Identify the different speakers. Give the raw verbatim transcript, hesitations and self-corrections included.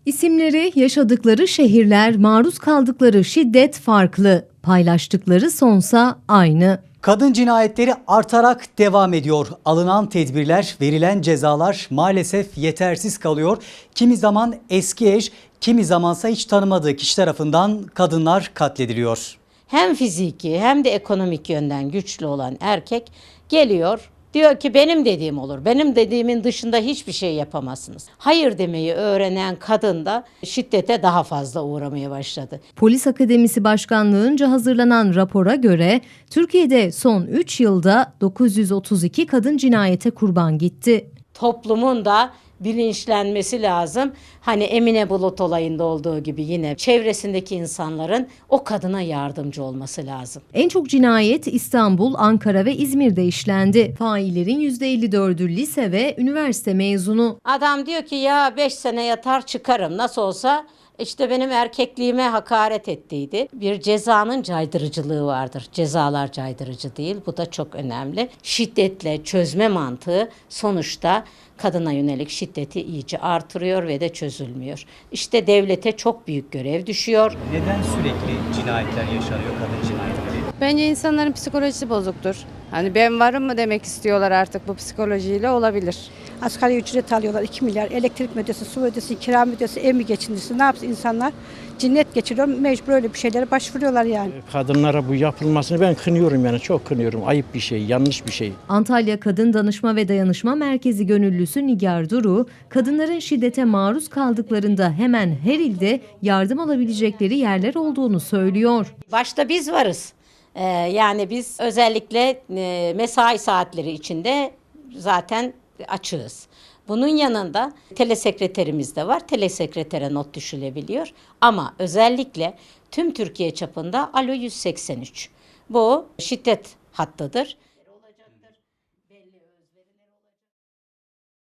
Speaker 1: İsimleri, yaşadıkları şehirler, maruz kaldıkları şiddet farklı, paylaştıkları sonsa aynı.
Speaker 2: Kadın cinayetleri artarak devam ediyor. Alınan tedbirler, verilen cezalar maalesef yetersiz kalıyor. Kimi zaman eski eş, kimi zamansa hiç tanımadığı kişi tarafından kadınlar katlediliyor.
Speaker 3: Hem fiziki hem de ekonomik yönden güçlü olan erkek geliyor. Diyor ki benim dediğim olur. Benim dediğimin dışında hiçbir şey yapamazsınız. Hayır demeyi öğrenen kadın da şiddete daha fazla uğramaya başladı.
Speaker 1: Polis Akademisi Başkanlığı'nca hazırlanan rapora göre Türkiye'de son üç yılda dokuz yüz otuz iki kadın cinayete kurban gitti.
Speaker 3: Toplumun da bilinçlenmesi lazım. Hani Emine Bulut olayında olduğu gibi yine çevresindeki insanların o kadına yardımcı olması lazım.
Speaker 1: En çok cinayet İstanbul, Ankara ve İzmir'de işlendi. Faillerin yüzde elli dördü lise ve üniversite mezunu.
Speaker 3: Adam diyor ki ya beş sene yatar çıkarım, nasıl olsa işte benim erkekliğime hakaret ettiydi. Bir cezanın caydırıcılığı vardır. Cezalar caydırıcı değil. Bu da çok önemli. Şiddetle çözme mantığı sonuçta kadına yönelik şiddeti iyice artırıyor ve de çözülmüyor. İşte devlete çok büyük görev düşüyor.
Speaker 2: Neden sürekli cinayetler yaşanıyor, kadın cinayetleri?
Speaker 4: Bence insanların psikolojisi bozuktur. Hani ben varım mı demek istiyorlar artık, bu psikolojiyle olabilir.
Speaker 5: Asgari ücret alıyorlar iki milyar, elektrik ödesi, su ödesi, kira ödesi, ev mi geçindirsin, ne yapsın insanlar? Cinnet geçiriyor, mecbur öyle bir şeylere başvuruyorlar yani.
Speaker 6: Kadınlara bu yapılmasını ben kınıyorum, yani çok kınıyorum. Ayıp bir şey, yanlış bir şey.
Speaker 1: Antalya Kadın Danışma ve Dayanışma Merkezi gönüllüsü Nigar Duru, kadınların şiddete maruz kaldıklarında hemen her ilde yardım alabilecekleri yerler olduğunu söylüyor.
Speaker 3: Başta biz varız. Ee, yani biz özellikle e, mesai saatleri içinde zaten açığız. Bunun yanında telesekreterimiz de var. Telesekretere not düşülebiliyor. Ama özellikle tüm Türkiye çapında Alo yüz seksen üç. Bu şiddet hattıdır.